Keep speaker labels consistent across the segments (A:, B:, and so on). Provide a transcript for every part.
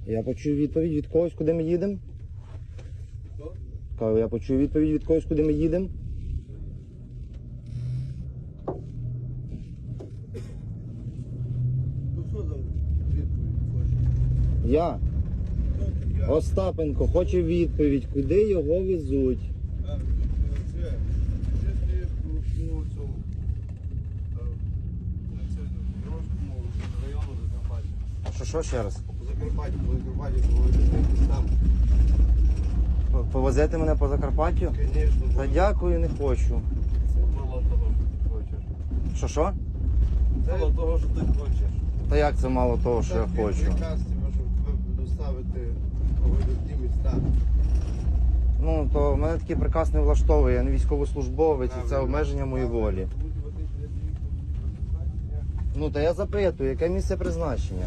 A: Я почую відповідь від когось, куди ми їдемо. Кажу, я почую відповідь від когось, куди ми їдемо.
B: Ну що там відповідь хочеш?
A: Я,
B: Я.
A: Остапенко, хоче відповідь, куди його везуть.
B: Це ти по цьому Дорожньому району Закарпаття.
A: Що ще раз?
B: По Закарпаттю, там.
A: Повезете мене по Закарпаттю?
B: Звісно.
A: Та дякую, не хочу.
B: Це мало того, що ти хочеш.
A: Що?
B: Це мало того, що ти хочеш.
A: Та як це мало того, що я хочу?
B: Приказ тебе, щоб тебе доставити у видатні міста.
A: Ну, то в мене такий приказ не влаштовує, я не військовослужбовець, і це обмеження моєї волі. Ну, та я запитую, яке місце призначення?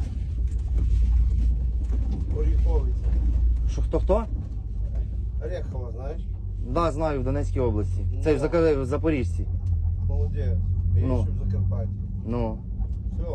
B: Оріховиця.
A: Що, хто?
B: Орехова, знаєш?
A: Да, знаю, в Донецькій області. Це в Запоріжжі.
B: Молодець. І
A: Ну.
B: ще в Закарпатті.
A: Ну.
B: Все.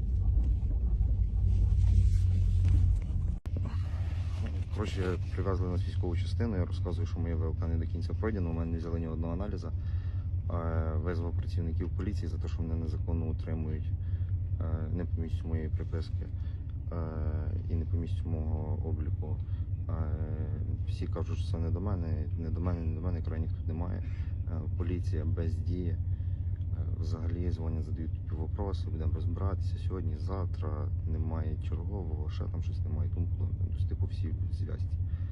A: Коротше, привезли нас в військову частину, я розказую, що моє ВЛК не до кінця пройдено, у мене не взяли ні одного аналізу. Визвав працівників поліції за те, що мене незаконно утримують не по місцю моєї приписки і не по місцю мого обліку. Всі кажуть, що це не до мене, крайніх тут немає. Поліція бездіє. Взагалі дзвонять, задають піввопроси, будемо розбиратися сьогодні, завтра, немає чергового, ще там щось немає, тому типу всі в зв'язці.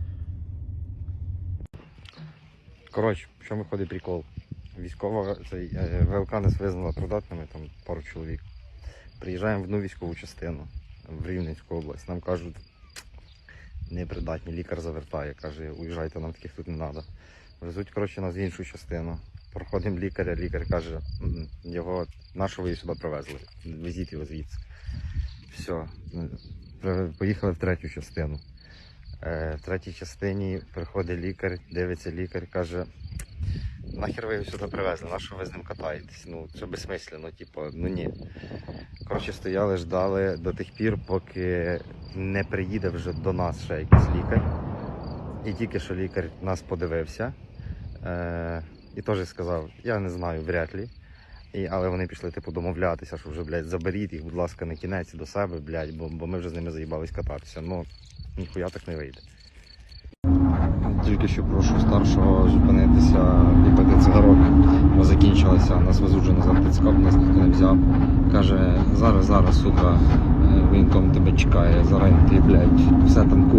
A: Коротше, в чому виходить прикол? Військова, ВЛК нас визнала придатними, там пару чоловік. Приїжджаємо в одну військову частину в Рівненську область, нам кажуть, непридатні, лікар завертає, каже, уїжджайте, нам таких тут не треба. Везуть, коротше, нас в іншу частину. Проходимо лікаря, лікар каже, його, на що ви сюди привезли? Везіть його звідси. Все, поїхали в третю частину. В третій частині приходить лікар, дивиться лікар, каже, нахер ви його сюди привезли, на що ви з ним катаєтесь? Ну, це безсмислено, типу, ну ні. Коротше, стояли, ждали до тих пір, поки не приїде вже до нас ще якийсь лікар. І тільки що лікар нас подивився. І теж сказав, я не знаю, вряд ли. Але вони пішли типу домовлятися, що вже, блядь, заберіть їх, будь ласка, на кінець до себе, блядь, бо ми вже з ними заїбались кататися. Ну, ніхуя так не вийде. Тільки що прошу старшого зупинитися, випити цигарок, бо закінчилося, нас везуть вже назад Тицькап, нас ніхто не взяв. Каже, зараз, сука, воєнком тебе чекає, зараз ти, блядь, все там